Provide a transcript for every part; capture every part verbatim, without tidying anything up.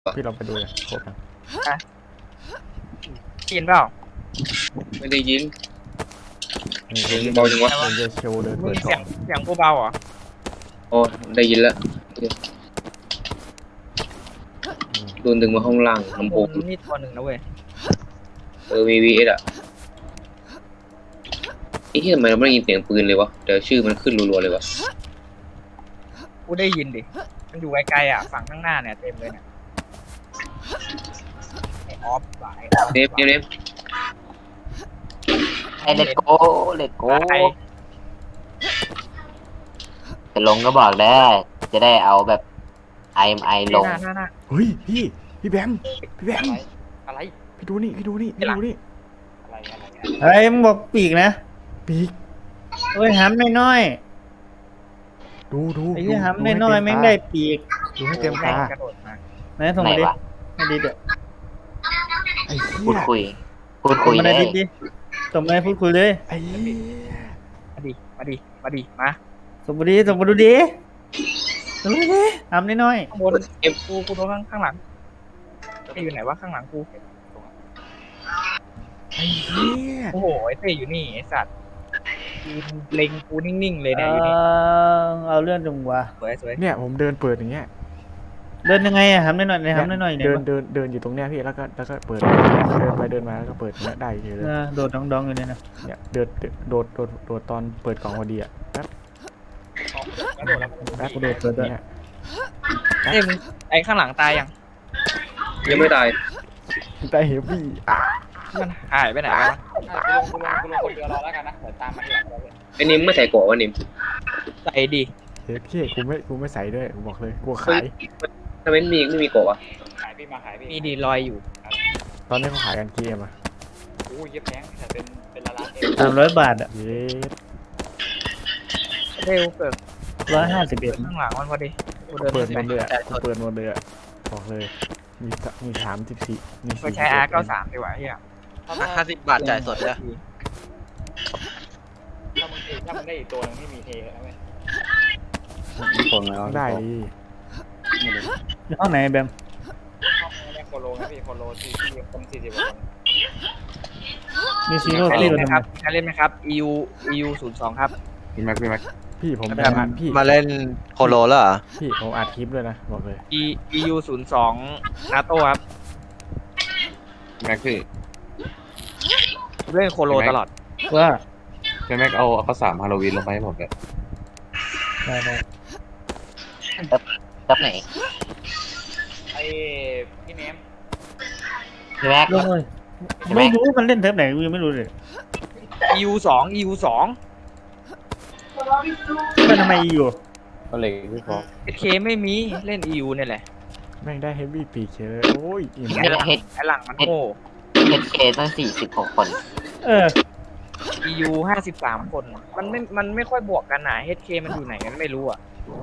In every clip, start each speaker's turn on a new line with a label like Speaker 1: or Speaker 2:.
Speaker 1: พี่ลองไปดูเลยโคตรนะ
Speaker 2: ยินเปล่า
Speaker 3: ไม่ได้ยิน
Speaker 1: เสียง
Speaker 3: เบาจังวะ
Speaker 1: เยโชว์เดิน
Speaker 2: มึ
Speaker 1: เปิ
Speaker 2: ง
Speaker 1: ดกล่
Speaker 2: เสี
Speaker 1: อย
Speaker 2: ง
Speaker 1: ง
Speaker 2: เสียงกูเบาเหรอ
Speaker 3: อ๋อได้ยินแล้วโดนดึงมาห้องล่างลำโพง
Speaker 2: นี่ตัวหนึ่งนะเว้ย
Speaker 3: เออมีวีเอสอ่ะไอ้ที่ทำไมเราไม่ได้ยินเสียงปืนเลยวะเดี๋ยวชื่อมันขึ้นรัวๆเลยวะ
Speaker 2: กูได้ยินดิมันอยู่ไกลๆอ่ะฝั่งข้างหน้าเนี่ยเต็มเลยเนี่ยไอออฟหลาย
Speaker 3: เนฟเนฟเนฟ
Speaker 4: ไอเลโก้เลโก้จะลงก็บอกได้จะได้เอาแบบไอไอลง
Speaker 2: หน้าหน้าหน้า
Speaker 1: เฮ้ยพี่พี่แบมพี่แบม
Speaker 2: อะไร
Speaker 1: พี่ดูนี่พี่ดูนี่พี่ดูนี่
Speaker 2: อะไรอะไร
Speaker 5: เฮ้ยมึงบอกปีกนะ
Speaker 1: ปีก
Speaker 5: เฮ้ยห้ำน้อย
Speaker 1: ดูดู
Speaker 5: ๆไอ้
Speaker 1: ดู
Speaker 5: ที่
Speaker 1: ดู
Speaker 5: ห้ำ
Speaker 1: ให้
Speaker 5: น้อยๆ
Speaker 1: เต็
Speaker 5: แม่ง
Speaker 1: ตา
Speaker 5: ได้ปีก
Speaker 1: ดูให้เต็มตาก
Speaker 2: ระโดดมา
Speaker 5: ไหนส่งมาดิให้ดิเด้อ
Speaker 1: ไอ้เหี้
Speaker 4: พูด
Speaker 1: ย
Speaker 4: คุย พูดคุย
Speaker 5: ส่งมา
Speaker 4: เล
Speaker 5: ใน
Speaker 4: ย
Speaker 5: ดิดิส่งมาให้พูดคุยเลย
Speaker 1: ไอ้เหี้ย
Speaker 2: มาดิมาดิมาดิมา
Speaker 5: ส่งมาดิส่งมาดูดิส่งมาดิห้ำน้อย
Speaker 2: ข้างบนเอฟกูกูโดนข้างข้างหลังเต้อยู่ไหนวะข้างหลังกู
Speaker 1: ไอ้เหี้ย
Speaker 2: โอ้โหไอเต้อยู่นี่ไอสัตว์ยืนเล็งกูนิ่งๆเล
Speaker 5: ๆ
Speaker 2: ย
Speaker 5: เอ
Speaker 2: เนี่ยอยู่นี่
Speaker 5: อเอาเรื่องจังวะ
Speaker 2: สวยสวย
Speaker 1: เนี่ยผมเดินเปิดอย่างเงี้ย
Speaker 5: เดินยังไงอะห้ำน้อยๆในห้ำน้อยๆ
Speaker 1: เดิน
Speaker 5: เนี่ย
Speaker 1: เดินเดินอยู่ตรงเนี้ยพี่แล้วก็แล้วก็เปิดเดินไปเดินมาแล้วก็เปิดเนี้ยได้อยู่เลย
Speaker 5: เออโดดดองๆอยู่เนี่ยนะ
Speaker 1: เนี่ยเดินโดดโดดโดดตอนเปิดกล่องพอดีอะแป๊บ
Speaker 2: กระโดดแล้ว
Speaker 1: แป๊บ
Speaker 5: กูโดดเปิดด้วย
Speaker 1: เนี่ย
Speaker 2: เอ้ยมึงไอข้างหลังตายยัง
Speaker 3: ยังไม่ตาย
Speaker 1: ได้เฮฟวี่อ่ะ
Speaker 2: มันหายไปไหนวะ
Speaker 6: กูลงกูลงกูลงคนเดียวรอแล้วกันนะเดี๋ยวตามมาทีหลังเราเลย
Speaker 3: ไอ้นิมไม่ใส่เกราะวะนิม
Speaker 2: ใส่ดิ
Speaker 1: เฮฟวี่กูไม่กูไม่ใส่ด้วยกูบอกเลยกลัว
Speaker 3: เฮ้
Speaker 1: ขาย ย
Speaker 3: ทำไมไม่มีไม่มีเกราะวะ
Speaker 6: ขายพี่มาขายพี่
Speaker 2: มีดีลอยอยู่
Speaker 1: ตอนนี้เขาขายกันกี่เอ็มอะ
Speaker 6: โอ้ยเย็บแพงแต่เป็นเป็นละล้านเอง
Speaker 5: สามร้อยบาทอะ
Speaker 1: เย็ด
Speaker 2: เร็วเกิด
Speaker 5: ร้อยห้าสิบเอ็ด
Speaker 2: ข้างหลังมันพอดีกูเดิน
Speaker 1: เปิดหม
Speaker 2: ไม่
Speaker 1: ด
Speaker 2: ไป
Speaker 1: เลยอะกูเปิดหมดเลยอะบอกเลยมีสมีสามสิบสี่มี
Speaker 2: ก็
Speaker 1: สี่
Speaker 2: ใช้อาร์เก้าสามดีกว่าเฮีย
Speaker 6: ห้าสิบบาทจ่ายสดเลยถ้ามึงถ้ามึงได้อีกตัวนึงที่มีเทแล้วไหม
Speaker 1: ได้ดิ
Speaker 5: ห้องไหนแบม
Speaker 6: เนี่ยโคโลนะพี่โคโลที่ที่คนสี่สิบกว่าคน
Speaker 5: มีซีโร่
Speaker 2: ใคร
Speaker 5: ที่
Speaker 2: เล่น
Speaker 5: เรา
Speaker 2: ไหม
Speaker 5: ทำ
Speaker 2: ครับใครเล่นไหมครับ e u e u ศูนย์สองครับ
Speaker 7: พี่แม็กพี่แม็ก
Speaker 1: พี่ผม
Speaker 2: แบบ
Speaker 1: อัดพี่
Speaker 7: มาเล่นโคโลแล้วเหรอ
Speaker 1: พี่ผมอัดคลิปด้วยนะบอกเลย
Speaker 2: e e u ศูนย์สองนาโต้ครับ
Speaker 7: แม็กพี่
Speaker 2: เล่นโคโลตลอด
Speaker 5: ว่า
Speaker 7: พี่แม็กเอาข้าวสามฮาโลวีนลงไปให้ผมเลย
Speaker 5: ได้ได้
Speaker 4: จับไหน
Speaker 6: ไอ้พี่เนม
Speaker 4: พี่แม็ก
Speaker 5: ลงเลยไม่รู้มันเล่นเทปไหนกูยังไม่รู้เลย
Speaker 2: e u สอง e u สอง
Speaker 5: มันทำไมอยู่
Speaker 7: ก็เลยพี่ฟอก
Speaker 2: เคไม่มีเล่น e u เนี่ยแหละ
Speaker 1: แม่งได้เฮฟวี่ปีกเชยโอ้ยอิ่ม
Speaker 4: เฮดเฮด
Speaker 2: ไอหลังมันโง่
Speaker 4: เฮดเคตั้งสี่สิบหกคน
Speaker 5: เออ
Speaker 2: e u ห้าสิบสามคน มันไม่มันไม่ค่อยบวกกันนะ h k มันอยู่ไหนกันไม่รู้อ่ะ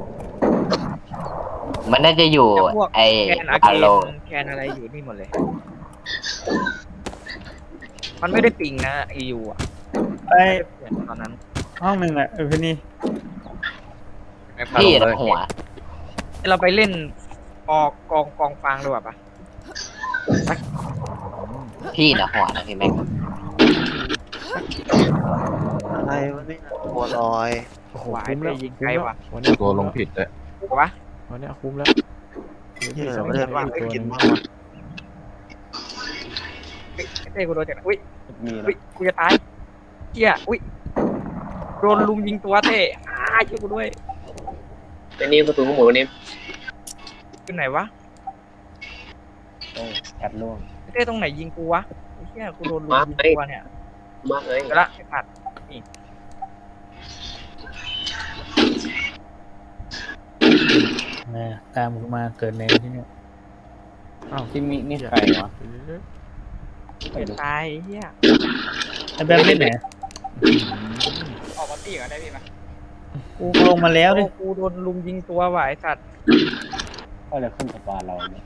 Speaker 4: มันน่าจะอยู่
Speaker 2: แต่พวก
Speaker 4: ไอ
Speaker 2: แคนอา
Speaker 4: อา
Speaker 2: เก
Speaker 4: โล
Speaker 2: นแคนอะไรอยู่นี่หมดเลย มันไม่ได้ปิงนะ e u อ่ะ
Speaker 5: ไอ
Speaker 2: ตอนนั้น
Speaker 5: ห้องหนึ่งอะเออพี่นี่
Speaker 4: พี่นะหัว
Speaker 2: เราไปเล่นกองกองกองฟางดีกว่าปะ
Speaker 4: พี่นะหัวนะพี่แม็ก
Speaker 8: อะไรวะเนี่ยบัวลอย
Speaker 1: โอ้โห
Speaker 2: หวาย
Speaker 1: คุ้ม
Speaker 2: ไป
Speaker 1: แล้ว
Speaker 2: ยิง
Speaker 1: คุ้
Speaker 2: ไกล
Speaker 1: มแล้ว
Speaker 2: ว่ะ
Speaker 1: วันนี้
Speaker 7: ตัวลงผิดเลย
Speaker 2: วะ
Speaker 1: วันนี้คุ้มแล้ว
Speaker 8: เหี้ย
Speaker 1: สอง
Speaker 8: ไม่ได้ว่า
Speaker 1: อีก
Speaker 8: ไม่
Speaker 1: ตัวห
Speaker 8: กิน
Speaker 1: นึง
Speaker 8: มากวะ
Speaker 2: เฮ้ยเต้กูโดนจากไหนอุ้ยอุ้ยกูจะตายเจี๊ยอุ้ยโดนลุมยิงตัวเต้อ้าช่วยกูด้วย
Speaker 3: ไอ้นิมประตูก็หมดวะนิม
Speaker 2: อยู่ไหนวะ
Speaker 4: แอบล่วง
Speaker 2: เต้ตรงไหนยิงกูวะไอ้เหี้ยกูโดนลุมยิงตัวเนี่ย
Speaker 3: มากเลย
Speaker 2: เดี๋ยวละไอ้ผัดนี่
Speaker 5: นะตามกูมาเกิดในที่นี่
Speaker 1: อ้าว
Speaker 4: ที่มีนี่ใครวะ
Speaker 2: จะตายไอ้เหี้ย
Speaker 5: ไอแบมเล่นไหน
Speaker 6: ออกมาตีกันได้พี่ไหม
Speaker 5: กูลงมาแล้วดิ
Speaker 2: โอ้กูโดนลุมยิงตัวว่ะไอ้สัตว์
Speaker 4: ก็จะขึ้นกับบ้านเราเนี่ย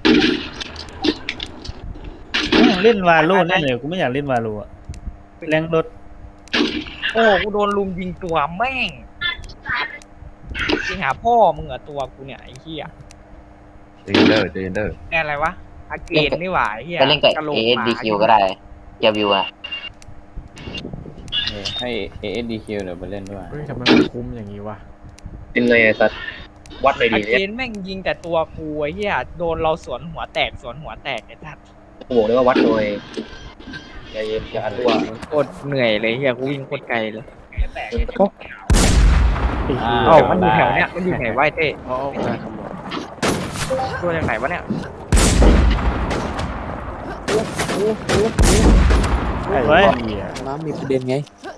Speaker 5: เล่นวาโลนั่นเลยกูไม่อยากเล่นวาโลอะแรงรถ
Speaker 2: โอ้กูโดนลุมยิงตัวแม่งยิงหาพ่อมึงเหรอตัวกูเนี่ยไอ้เหี้ย
Speaker 7: เจนเดอร์เจนเดอร์
Speaker 2: แน่อะไรวะอาเกนนี่หว่าไอ้เฮีย
Speaker 4: ก็เล่นกับ
Speaker 2: กะโหล
Speaker 4: เอก เอส
Speaker 2: หมา
Speaker 4: ดีคิวก็ได้เกียร์วิวอะ
Speaker 9: ให้ เอ เอส ดี คิว เดี๋ยวไปเล่นด้วย
Speaker 1: เฮ้ยทำไมมันคุ้มอย่างนี้วะ
Speaker 3: เป็นไงไอ้สัตว์วัดหน่อย
Speaker 2: อา
Speaker 3: ดิ
Speaker 2: เก
Speaker 3: เนี่ย
Speaker 2: นแม่งยิงแต่ตัวกูไอ้เฮียโดนเราสวนหัวแตกสวนหัวแตกไอ้ทัด
Speaker 3: กูบอกเลยว่าวัดหน่อยใจเย็นอย่าอันตัว
Speaker 2: โคตรเหนื่อยเลยเฮียกูวิ่งโคตรไกลเลย
Speaker 1: ไอ้เหี้ย
Speaker 2: เอ้ามันอยู่แถวเนี้ยมันอยู่ไหนวะไอ้เต้
Speaker 1: เอาเอาเอา
Speaker 2: ตัวจากไหนวะเนี่ย
Speaker 1: ไอ้
Speaker 5: เฮ้ย
Speaker 1: เหี้ย
Speaker 9: น้ำมีประเด็นไง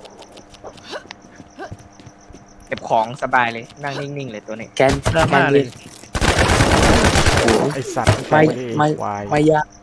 Speaker 2: เก็บของสบายเลยนั่งนิ่งๆเลยตัวนี้
Speaker 9: แกน
Speaker 5: ดราม่าเลย
Speaker 1: ไอ้สัตว์
Speaker 9: ไม่
Speaker 1: ไม่
Speaker 9: ไม่
Speaker 1: ควาย
Speaker 9: ไม่ยาก